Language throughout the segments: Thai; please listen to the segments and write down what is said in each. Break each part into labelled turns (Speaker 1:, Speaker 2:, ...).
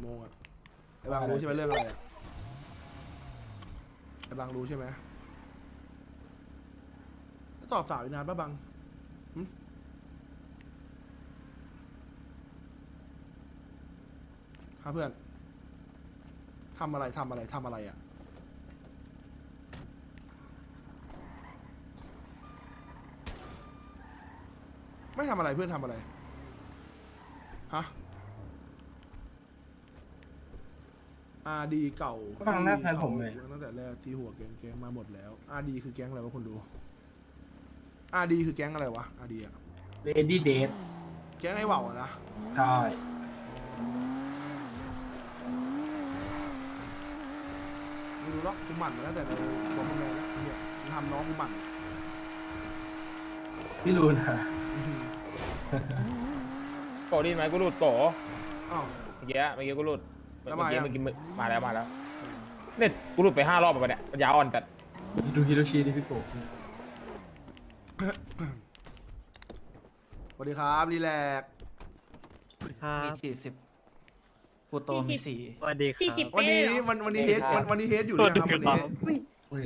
Speaker 1: โมงอะไอ้บางรู้ใช่ไหมเรื่องอะไรอะไอ้บางรู้ใช่ไหมตอบสาวอีกนานป่ะบางหึฮะเพื่อนทำอะไรอ่ะไม่ทำอะไรเพื่อนทำอะไรฮะอาดีเก่า
Speaker 2: ฟังหน้าแฟนผมเลย
Speaker 1: ตั้งแต่แรกที่หัวแก๊งมาหมดแล้วอาดีคือแก๊งอะไรวะคุณดูอาดีคือแก๊งอะไรวะอาดีอะ
Speaker 2: เลดี้เดท
Speaker 1: แก๊งไอ้เหว่าอะนะ
Speaker 2: ใช่
Speaker 1: ไม่รู้หรอกกูหมั่นมาตั้งแต่ในตัวมึงเลยนะไอ้เฮียมึงทำน้องกูหมั่น
Speaker 2: พี่รู้นะ
Speaker 3: โกดีไหมกูหลุดโก
Speaker 1: อ้าว
Speaker 3: เมื่อกี้กูหลุด
Speaker 1: แล้วมายัง
Speaker 3: เมื่อกี้มาแล้วเนี่ยกูหลุดไป5 รอบไปเนี่ยมันยาวอ่อนจัด
Speaker 2: ดูฮิโรชิดิพี่โก
Speaker 1: สวัสดีครับรีแลกซ์
Speaker 4: มี40ปูโตมี4
Speaker 5: สวัสดีครับ
Speaker 1: วันนี้เฮดวันนี้เฮดอยู่ด้วยครับวันนี้
Speaker 2: อุ้ย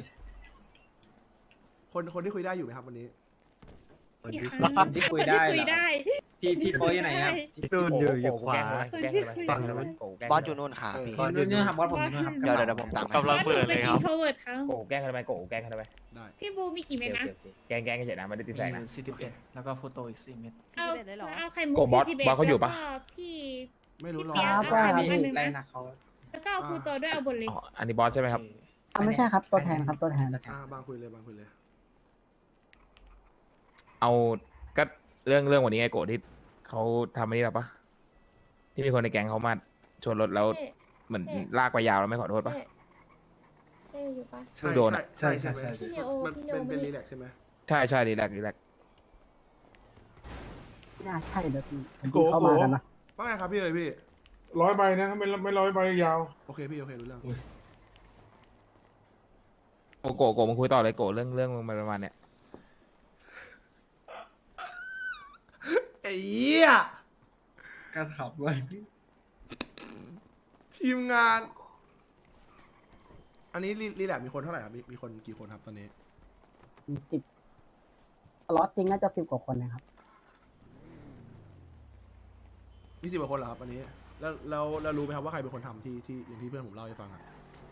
Speaker 1: คนที่คุยได้อยู่ไหมครับวันนี้
Speaker 5: สวัสดีค
Speaker 6: ค
Speaker 5: รับ
Speaker 6: นที่คุยได้เหรอ
Speaker 4: พี่โฟอยู่ไหนครับ
Speaker 5: พี่ตูนอยู่ขวา
Speaker 3: แกล้งเลย
Speaker 5: ฝั่งนู้น
Speaker 7: บอสอยู่นู่นค่ะพี่
Speaker 5: บอสอยู่
Speaker 4: นู่นครับบอสผมอยู่นู่นครับ
Speaker 7: เดี๋ยวผมตามไป
Speaker 5: กำลังเปิดเลยครับ
Speaker 6: โทรเวิร์ดครับ
Speaker 3: โกแกล้งทำไมโกแกล้งทำไม
Speaker 1: ได้
Speaker 6: พี่บูมีกี่เม็ดนะ
Speaker 3: แกล้งเฉยนะไม่ได้ติด
Speaker 4: มี
Speaker 3: แสง
Speaker 4: อ
Speaker 3: นะ
Speaker 4: ยู่41แล้วก็ฟูโตอีก4 เม็ด
Speaker 6: เอาไข่มุ
Speaker 3: โก
Speaker 6: ก
Speaker 3: บอส
Speaker 6: 41
Speaker 3: บอสเขาอยู่ปะ
Speaker 6: แล้วก็พี่
Speaker 1: ไม่รู้หรอก
Speaker 6: เปี๊ยก
Speaker 4: ว่า
Speaker 6: เอา
Speaker 4: พี่
Speaker 6: อันหนึ่งนะ
Speaker 4: ไล่นักเขา
Speaker 6: แล้วก็เอาครูโตด้วยเอาบนเลย
Speaker 3: อ๋ออันนี้บอสใช่ไหมครับ
Speaker 8: ไม่ใช่ครับตัวแทนครับตัวแทน
Speaker 1: บางคุยเลย
Speaker 3: เอาก็เรื่องวันนี้ไงโกที่เขาทำอันนี้หรอปะที่มีคนในแก๊งเขามาชนรถแล้วเหมือนลากไปยาวแล้วไม่ขอโทษปะ
Speaker 6: เจ๊อยู่ปะ
Speaker 3: เพิ่งโดนอะ
Speaker 1: ใช่
Speaker 6: พี่เลโอ
Speaker 1: มัน
Speaker 6: พี่เลโอ
Speaker 1: เป็น
Speaker 6: ไม่
Speaker 1: รีแลกซ์ใช่ไหม
Speaker 3: ใช่ดีแลก
Speaker 8: น่าใช่เดี๋ยวผมเข้ามากันนะ
Speaker 1: ว่าไงครับพี่พี่
Speaker 2: 100 ใบนะถ้าไม่100 ใบยาว
Speaker 1: โอเคพี่โอเครู้เรื่อง
Speaker 3: โกมึงคุยต่อเลยโกเรื่องมึงประมาณเนี้ย
Speaker 1: ไอ้เหี้ย
Speaker 2: การขับไว้พี่
Speaker 1: ทีมงาน อันนี้รีแลกซ์มีคนเท่าไหร่ครับมีคนกี่คนครับตอนนี้
Speaker 8: มี10ล็อตจริงน่าจะ10 กว่าคนนะครับ
Speaker 1: มี10 กว่าคนเหรอครับอันนี้แล้วรู้ไหมครับว่าใครเป็นคนทำที่อย่างที่เพื่อนผมเล่าให้ฟังอะ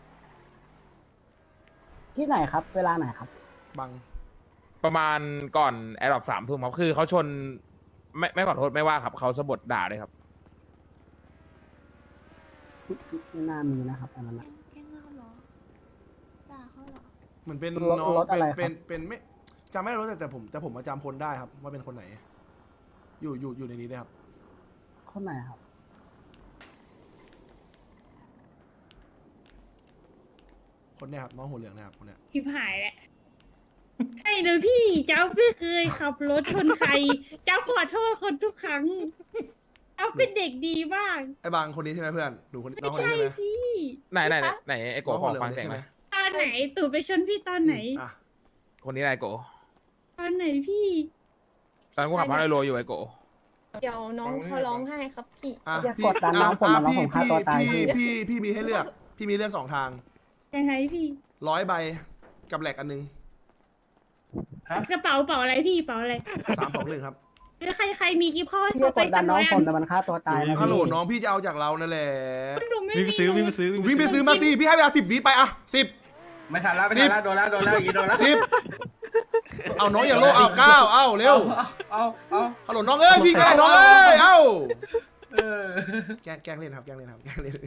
Speaker 8: ที่ไหนครับ เวลาไหนครับ
Speaker 1: บาง
Speaker 3: ประมาณก่อนแอร์ดรอป3 ทุ่มครับคือเขาชนไม่ขอโทษไม่ว่าครับเขาสะบดด่าเลยครับ
Speaker 8: ไม่น่ามีนะครับอันนั้นนะ
Speaker 6: แกล้งเราเหรอด่าเขาเหรอ
Speaker 1: เหมือนเป็น
Speaker 8: รถ
Speaker 1: น้อง
Speaker 8: รถอะไรครับ
Speaker 1: เป็นไม่จำไม่ได้รถแต่ผมมาจำคนได้ครับว่าเป็นคนไหน อยู่ในนี้ด้วยครับ
Speaker 8: คนไหนครับ
Speaker 1: คนเนี้ยครับน้องหัวเหลืองนะครับคนเนี้ย
Speaker 6: ชิบหายแหละไอ้เนอะพี่เจ้าไม่เคยขับรถชนใคร เจ้าขอโทษคนทุกครั้ง เอาเป็นเด็กดีมาก
Speaker 1: ไอ้บางคนนี้ใช่ไหมเพื่อนหนูคนน้
Speaker 6: ไม่
Speaker 1: องคน
Speaker 6: ใช่
Speaker 1: นี้ใช่ไหม
Speaker 6: พี่
Speaker 3: ไหนไอ้โก
Speaker 1: น้อง
Speaker 3: ข
Speaker 1: หั
Speaker 3: อ
Speaker 1: วเหลือง
Speaker 3: ฟัง
Speaker 1: คน
Speaker 3: เสีย
Speaker 1: นี้
Speaker 3: ง
Speaker 1: ใช่
Speaker 3: ห
Speaker 1: ไห
Speaker 3: น่
Speaker 1: ม
Speaker 3: อย
Speaker 6: ตอนไหนตู่ไปชนพี่ตอนไหน
Speaker 1: อ่ะ
Speaker 3: คนนี้อะไรโก
Speaker 6: ตอนไหนพี่
Speaker 3: ตอนกูขับพาราโลอยู่ไอ้โก
Speaker 6: เดี๋ยวน้องเขาร้องไห้ครับพี่
Speaker 1: อ่ะ
Speaker 8: อย่า
Speaker 1: พี่
Speaker 8: กดดันน้องผมนะน้องผมฆ่าตัวตายพี่
Speaker 1: พี่มีให้เลือก พี่มีเลือก2 ทาง
Speaker 6: ยังไงพี่
Speaker 1: 100 ใบกับแหลกอันนึง
Speaker 6: กระเป๋าอะไรพี่เป๋าอะไร
Speaker 1: 3 2 1ครับ
Speaker 6: แล้วใครมีกิ๊บข้อ
Speaker 8: พี่จะกดดันน้องผมแต่มันฆ่าตัวตายนะ
Speaker 1: ฮัลโหล
Speaker 8: พี่
Speaker 1: น้องพี่จะเอาจากเรานั่นแหละ
Speaker 6: หนูไม่
Speaker 5: วิ่งไปซื้อ
Speaker 6: มี
Speaker 1: วิ่งไปซื้อมาสิพี่ให้เวลา10 วิไปอ่ะ10
Speaker 2: ไม่ทันแล้วโดนแล้วอีโดนแล้ว
Speaker 1: 10เอาน้องอย่าโลภเอา9เอาเร็ว
Speaker 2: เอา
Speaker 1: ฮัลโหลน้องเอ้ยพี่ก็ได้น้องเอ้ยเอ้า
Speaker 2: เออ
Speaker 1: แกล้งเล่นครับแกล้งเล่น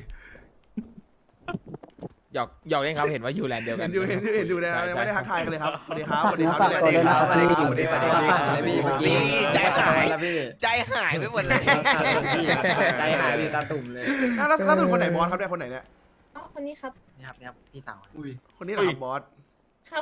Speaker 3: หยอกเล่นครับเห็นว่าอยู่แลนด์เดียวกัน
Speaker 1: เห็นดูนะไม่ได้ทักทายกันเลยครับสวัสดีครับ
Speaker 8: ฝากเนื้อฝากตัวด้วยนะ
Speaker 1: สวัสดีครับ
Speaker 8: สวัสดีครับ
Speaker 7: นี่ใจหายไปหมดเลย
Speaker 4: ใจหายพี่ตาตุ่มเลย
Speaker 1: ล่าสุดคนไหนบอสครับได้คนไหนเนี่ย
Speaker 6: อ๋อคนนี้ครับ
Speaker 4: นี่ครับพี่สาว
Speaker 2: อุ้ย
Speaker 1: คนนี้เหรอครับบอส
Speaker 6: ครับ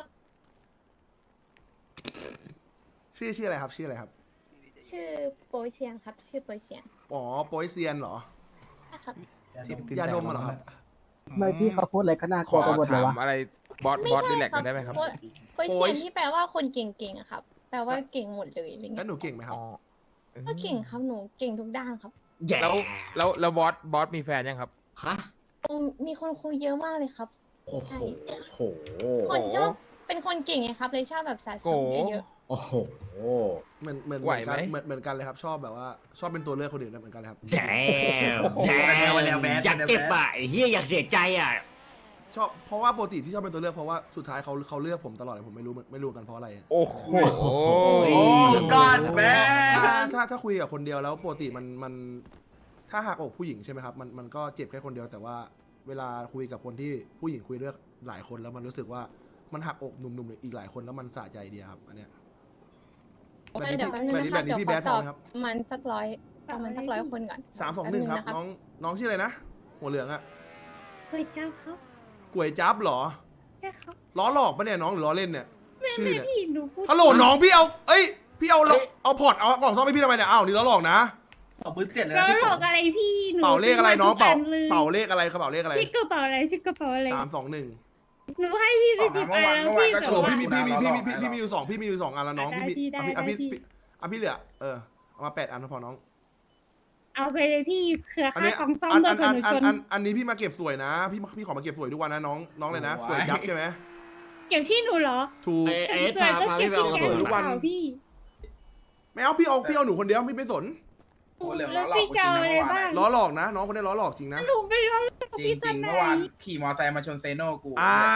Speaker 1: ชื่ออะไรครับชื่ออะไรครับ
Speaker 6: ชื่อโปยเซียนครับ ชื่อโปยเซียน
Speaker 1: อ๋อโปยเซียนเหรอ
Speaker 6: ครับ
Speaker 1: ยาดมเหรอครับ
Speaker 8: เมื่อพี่เขาพูดอะไรก็น่า
Speaker 3: ข
Speaker 8: กลั
Speaker 3: อ
Speaker 8: วไปหมดเลย
Speaker 3: ถาม
Speaker 8: วะ
Speaker 3: อะไรบอสดีแลกกันได้ไหมครับ
Speaker 6: โปยเซียนที่แปลว่าคนเก่งๆอะครับ แปลว่าเก่งหมดเลยอะไร
Speaker 1: งั้
Speaker 6: เงี้
Speaker 1: น
Speaker 6: ย
Speaker 1: หนูเก่งไหมครับ
Speaker 3: อ๋อ
Speaker 6: ก็เก่งครับหนูเก่งทุกด้านครับ
Speaker 3: แล้วบอสมีแฟนยังครับ
Speaker 9: ฮะ
Speaker 10: มีคนคุยเยอะมากเลยครับ
Speaker 9: โอ้โหโห
Speaker 10: คนชอบเป็นคนเก่งไงครับ เลยชอบแบบสะสมเยอะ
Speaker 9: โอ้โห
Speaker 1: เหมือน
Speaker 3: ไหวไหม
Speaker 1: เหมือนกันเลยครับ ชอบแบบว่าชอบเป็นตัวเลือกคนอื่นนะเหมือนกันเลยครับ
Speaker 9: แจมแจมอยากเก็บอ่ะไอ้เฮียอยากเสียใจอ่ะ
Speaker 1: ชอบเพราะว่าปกติที่ชอบเป็นตัวเลือกเพราะว่าสุดท้ายเขาเลือกผมตลอดเลยผมไม่รู้กันเพราะอะไร
Speaker 3: โอ้โห
Speaker 2: ก้อนแม่
Speaker 1: ถ้าคุยกับคนเดียวแล้วปกติมันถ้าหักอกผู้หญิงใช่ไหมครับมันก็เจ็บแค่คนเดียวแต่ว่าเวลาคุยกับคนที่ผู้หญิงคุยเลือกหลายคนแล้วมันรู้สึกว่ามันหักอกหนุ่มๆอีกหลายคนแล้วมันสะใจดีครับอันเนี้ย
Speaker 10: ๆเดี๋ยวแป๊บนึงนะครับ
Speaker 1: แบบนี้
Speaker 10: เดี๋ยว
Speaker 1: พี่
Speaker 10: ข
Speaker 1: แบ
Speaker 10: อ
Speaker 1: ด
Speaker 10: ต
Speaker 1: ท
Speaker 10: อ
Speaker 1: อบ งครับ
Speaker 10: มันสักประมาณสัก100 คนก่อน
Speaker 1: 321 ครับ
Speaker 10: แป๊บนึงนะครับ
Speaker 1: น้องชื่ออะไรนะหัวเหลืองอะ
Speaker 6: เฮ้ยเจ้าครับ
Speaker 1: ก๋วยจั๊บเหรอ
Speaker 6: ใช่ครับ
Speaker 1: ล้อหลอกปะเนี่ยน้องหรือล้อเล่นเนี่ยชื่อเนี่ย
Speaker 6: พี่หนูพูด
Speaker 1: ฮัลโหลน้องพี่เอาพี่เอาพอร์ตเอากล่องซ่อมให้พี่ทำไมเนี่ยอ้าวนี่ล้อหลอกนะ
Speaker 2: 2,700เลย
Speaker 6: เรา
Speaker 2: นะพี่
Speaker 6: หล
Speaker 2: ผ
Speaker 6: อก
Speaker 2: ม
Speaker 6: อะไรพี่หนู
Speaker 1: เป่าเลขอะไรน้องเป่า
Speaker 6: ซื้มทุกอัลย
Speaker 1: เป่าเลขอะไรกระเป๋าเลขอะไร
Speaker 6: พี่กระเป๋าอะไรพี่กระเป๋าอะไร
Speaker 1: 321
Speaker 6: หนูให้พี่ไป10 อันแล้วพี่
Speaker 1: โอ้โห
Speaker 6: แต่ว่า
Speaker 1: พี่มีอยู่สองอันแล้วน้อง
Speaker 6: ได้
Speaker 1: พี่
Speaker 6: ได้
Speaker 1: พี่เหลือเอามา8 อันพอน้อง
Speaker 6: เอาไปเลยพี่เครือ
Speaker 1: อัน
Speaker 6: ค่า
Speaker 1: นี้
Speaker 6: กองซ่อม
Speaker 1: อัน
Speaker 6: โด
Speaker 1: อั
Speaker 6: น
Speaker 1: น
Speaker 6: คนหนู
Speaker 1: อั
Speaker 6: ช
Speaker 1: น
Speaker 6: น
Speaker 1: อันนี้พี่มาเก็บสวยนะพี่ขอมาเก็บสวยทุกวันนะน้องเลยนะก๋วยจั๊บใช่ไหม
Speaker 6: เก็บที่หนูเหรอ
Speaker 1: ถูก
Speaker 9: เอ็ดพาพี่ไปเอา
Speaker 6: ก็
Speaker 9: ส
Speaker 6: เก็บ
Speaker 9: วย
Speaker 6: ที่
Speaker 1: ทุกวัน
Speaker 6: แกงพี่
Speaker 1: ไม่เอาพี่เอาหนูคนเดียวไม่สน
Speaker 2: โอ้เหลือง
Speaker 6: แล้
Speaker 2: ล้อหลอก
Speaker 6: วพี่
Speaker 2: กู
Speaker 6: จะ
Speaker 2: จริ
Speaker 6: เอา
Speaker 2: ง
Speaker 6: อะไร
Speaker 2: นะเมื่อวาน
Speaker 6: บ้าง
Speaker 1: ล้อหลอกนะน้องคนนี้ล้อหลอกจริงนะ
Speaker 6: หนูไปเอา
Speaker 2: จริงจริงๆเมื่อวานขี่มอไซค์มาชนเซโน่กู
Speaker 1: อ้าว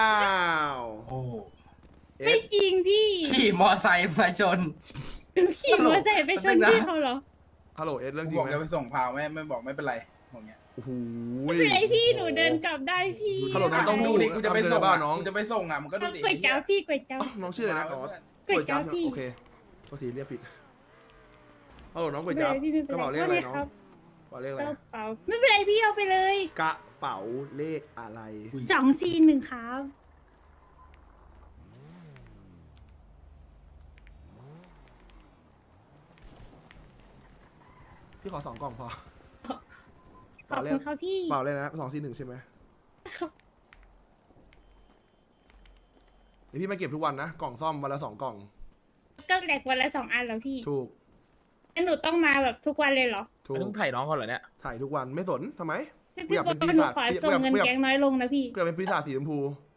Speaker 2: โอ้
Speaker 6: ไม่จริงพี่
Speaker 2: ขี่มอไซค์มาชน
Speaker 6: หนูขี่มอเตอร์ไซค์ไปชนพี่เขาเหรอ
Speaker 1: ฮัลโหลเรื่องจริ
Speaker 2: บ
Speaker 1: ง
Speaker 2: อก
Speaker 1: ไหม
Speaker 2: จะไปส่งพาวไม่บอกไม่เป็นไรบอกเงี้ย
Speaker 1: โอ้โห
Speaker 6: ไม่เป็นไรพี่หนูเดินกลับได้พี่
Speaker 1: ฮัลโหลน้องต้อง
Speaker 2: ดูดิกูจะไปส่ง
Speaker 1: บ้า
Speaker 2: อ่ะ
Speaker 1: น้อง
Speaker 2: กูจะไปส่งอ่ะมันก็ดูดิ
Speaker 6: ก๋วยจั๊บพี่ก๋วยจั๊บ
Speaker 1: น้องชื่ออะไรนะอ๋อ
Speaker 6: ก๋วยจั๊บพี่
Speaker 1: โอเคโทษทีเรียกผิดฮัลโหลน้องก๋วยจั๊บกระเป๋าเลขอะไรน้องกระเป๋าเลขอะไร
Speaker 6: กระเป๋าไม่เป็นไรพี่เอาไปเลย
Speaker 1: กระเป๋าเลขอะไร
Speaker 6: 241ครับ
Speaker 1: พี่ขอ2 กล่องพอ
Speaker 6: ขอบคุณครับพี่
Speaker 1: เปล่าเลยนะ241ใช่ไหมเดี๋ยวพี่มาเก็บทุกวันนะกล่องซ่อมวันละ2 กล่อง
Speaker 6: ก็แหลกวันละ2 อันแล้วพี่
Speaker 1: ถูก
Speaker 6: งั้นหนูต้องมาแบบทุกวันเลยเหรอ
Speaker 1: ถูก
Speaker 3: ต้องถ่ายน้องเขาเหรอเนี่ย
Speaker 1: ถ่ายทุกวันไม่สนทำไม
Speaker 6: พี่
Speaker 1: อยาก
Speaker 6: บ
Speaker 1: เป็
Speaker 6: อน ก
Speaker 1: ปี
Speaker 6: หนู
Speaker 1: ศาจ
Speaker 6: ขอส่งเงินแก๊งน้อยลงนะพี่
Speaker 1: เพื่อเป็นปีศาจสีชมพู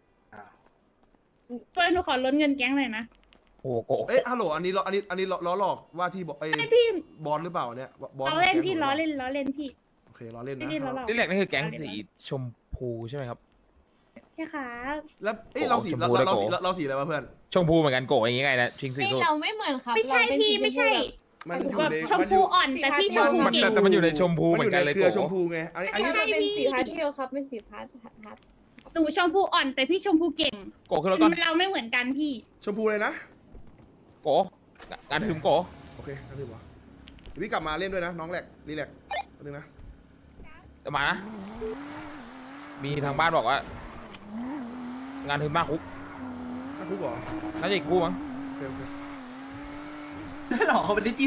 Speaker 6: ตัวหนูขอลดเงินแก๊งหน่อยนะ
Speaker 3: โอ้โห
Speaker 1: เอ๊ะฮัลโหลอันนี้ล้อหลอกว่าที่บอกไอ้
Speaker 6: ไม่พี่
Speaker 1: บอสหรือเปล่าเนี่ยบอส
Speaker 6: ล้อเล่น
Speaker 1: ของแก๊ง
Speaker 6: พี่
Speaker 1: ผม
Speaker 6: ล้อเล่นล้อเล่นพี่
Speaker 1: โอเคล้อเล่น
Speaker 6: ไม่
Speaker 1: นะ
Speaker 6: ได้ล้อหลอก
Speaker 3: นี่แหละนี่คือแก๊งสีชมพูใช่ไหมครับ
Speaker 6: ใช่ครับ
Speaker 1: แล้วเอ้ยเราสี
Speaker 3: ชมพูได้
Speaker 1: เรา
Speaker 3: โก
Speaker 1: สีอะไรวะเพื่อน
Speaker 3: ชมพูเหมือนกันโกะอย่างงี้ไงนะชิงสี
Speaker 10: ไม่
Speaker 3: สุด
Speaker 10: เราไม่เหมือนครับ
Speaker 6: ไม่ใช่
Speaker 10: เราเป็น
Speaker 6: พี่ไม่ใช่
Speaker 1: มันอยู่
Speaker 6: แบบ
Speaker 1: ใน
Speaker 6: ชมพูอ่อนแต่พี่ชมพู
Speaker 3: มัน
Speaker 6: เก่ง
Speaker 3: แต่มันอยู่ในชมพู
Speaker 1: มัน
Speaker 3: เหมื
Speaker 1: อ
Speaker 3: อยู่ น
Speaker 1: ใน
Speaker 3: กันเลย
Speaker 1: เครือ
Speaker 3: โกะ
Speaker 1: ชมพูไงอันนี้
Speaker 6: ไม่ใช่
Speaker 10: เป็น
Speaker 6: พี่
Speaker 10: สีพาสเทลครับเป็นสีพาส
Speaker 6: หนูชมพูอ่อนแต่พี่ชมพูเก่ง
Speaker 3: โกะขึ้นรถก่อน
Speaker 6: เราไม่เหมือนกันพี่
Speaker 1: ชมพูเลยนะ
Speaker 3: โกะงานถึงโกะ
Speaker 1: โอเคนั่นคือวะเดี๋ยวพี่กลับมาเล่นด้วยนะน้องแหลกรีแลกนิดนึงนะ
Speaker 3: เดี๋ยวมานะ มีทางบ้านบอกว่า งานถึงมากคุก
Speaker 1: น่าคุกเหรอ
Speaker 3: น่าจะอีกคู่มั้ง
Speaker 1: โอเคโอเค
Speaker 2: หลอกเขาเป็นดิจิ